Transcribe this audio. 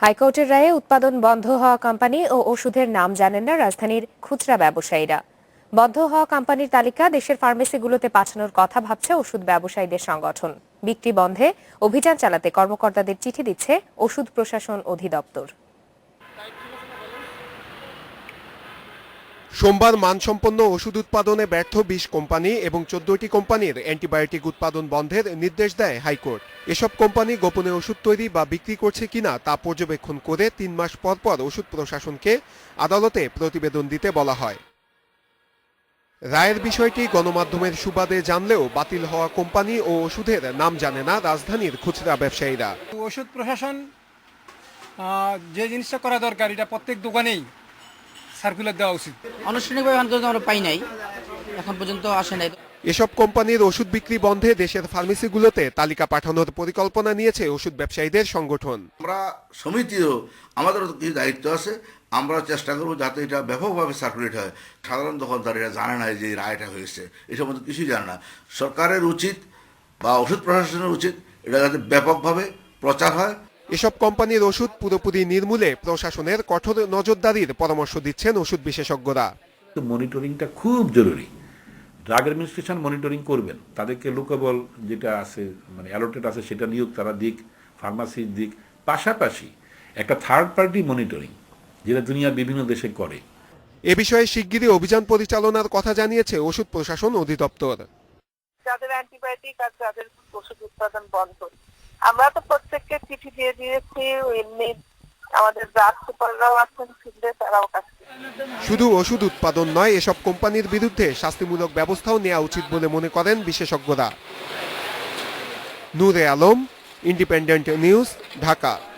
হাইকোর্টের রায়ে উৎপাদন বন্ধ হওয়া কোম্পানি ও ওষুধের নাম জানেন না রাজধানীর খুচরা ব্যবসায়ীরা। বন্ধ হওয়া কোম্পানির তালিকা দেশের ফার্মেসিগুলোতে পাঠানোর কথা ভাবছে ওষুধ ব্যবসায়ীদের সংগঠন। বিক্রি বন্ধে অভিযান চালাতে কর্মকর্তাদের চিঠি দিচ্ছে ওষুধ প্রশাসন অধিদপ্তর। সোমবার মানসম্পন্ন ওষুধ উৎপাদনে ব্যর্থ ২০ কোম্পানি এবং ১৪টি কোম্পানির অ্যান্টিবায়োটিক উৎপাদন বন্ধের নির্দেশ দেয় হাইকোর্ট। এসব কোম্পানি গোপনে ওষুধ তৈরি বা বিক্রি করছে কিনা তা পর্যবেক্ষণ করে ৩ মাস পর পর ওষুধ প্রশাসনকে আদালতে প্রতিবেদন দিতে বলা হয়। রায়ের বিষয়টি গণমাধ্যমের সুবাদে জানলেও বাতিল হওয়া কোম্পানি ও ওষুধের নাম জানে না রাজধানীর খুচরা ব্যবসায়ীরা। ওষুধ প্রশাসন যে জিনিসটা করা দরকার এটা প্রত্যেক দোকানেই সার্কুলার দেওয়া উচিত। আনুষ্ঠানিকভাবে আমরা পাই নাই, এখন পর্যন্ত আসে নাই। এসব কোম্পানির ওষুধ বিক্রি বন্ধে দেশের ফার্মেসিগুলোতে তালিকা পাঠানোর পরিকল্পনা নিয়েছে ওষুধ ব্যবসায়ীদের সংগঠন। আমরা সমিতিও আমাদের কিছু দায়িত্ব আছে, আমরা চেষ্টা করবো যাতে এটা ব্যাপকভাবে সার্কুলেট হয়। সাধারণ দোকানদার এটা জানে না যে রায়টা হয়েছে, এই সম্বন্ধে কিছুই জানে না। সরকারের উচিত বা ওষুধ প্রশাসনের উচিত এটা যাতে ব্যাপকভাবে প্রচার হয়। এসব কোম্পানির ওষুধ পুরোপুরি নির্মূলে প্রশাসনের কঠোর নজরদারির পরামর্শ দিচ্ছেন ওষুধ বিশেষজ্ঞরা। মনিটরিংটা খুব জরুরি। ড্রাগ অ্যাডমিনিস্ট্রেশন মনিটরিং করবেন, তাদেরকে লোকেবল যেটা আছে মানে অ্যালোটেড আছে সেটা নিয়োগ তারা দিক, ফার্মাসির দিক, পাশাপাশি একটা থার্ড পার্টি মনিটরিং যেটা দুনিয়ার বিভিন্ন দেশে করে। এ বিষয়ে শিগগিরই অভিযান পরিচালনার কথা জানিয়েছে ওষুধ প্রশাসন অধিদপ্তর। যাদের অ্যান্টিবায়োটিক আর যাদের ওষুধ উৎপাদন বন্ধ, আমরা তো প্রত্যেককে চিঠি দিয়ে দিয়েছি। এমনি আমাদের ব্রাঞ্চ সুপাররাও আছেন, ফিল্ডে তারাও কাছে। শুধু ওষুধ উৎপাদন নয়, এসব কোম্পানির বিরুদ্ধে শাস্তিমূলক ব্যবস্থাও নেওয়া উচিত বলে মনে করেন বিশেষজ্ঞরা। Nure Alam, Independent News, Dhaka.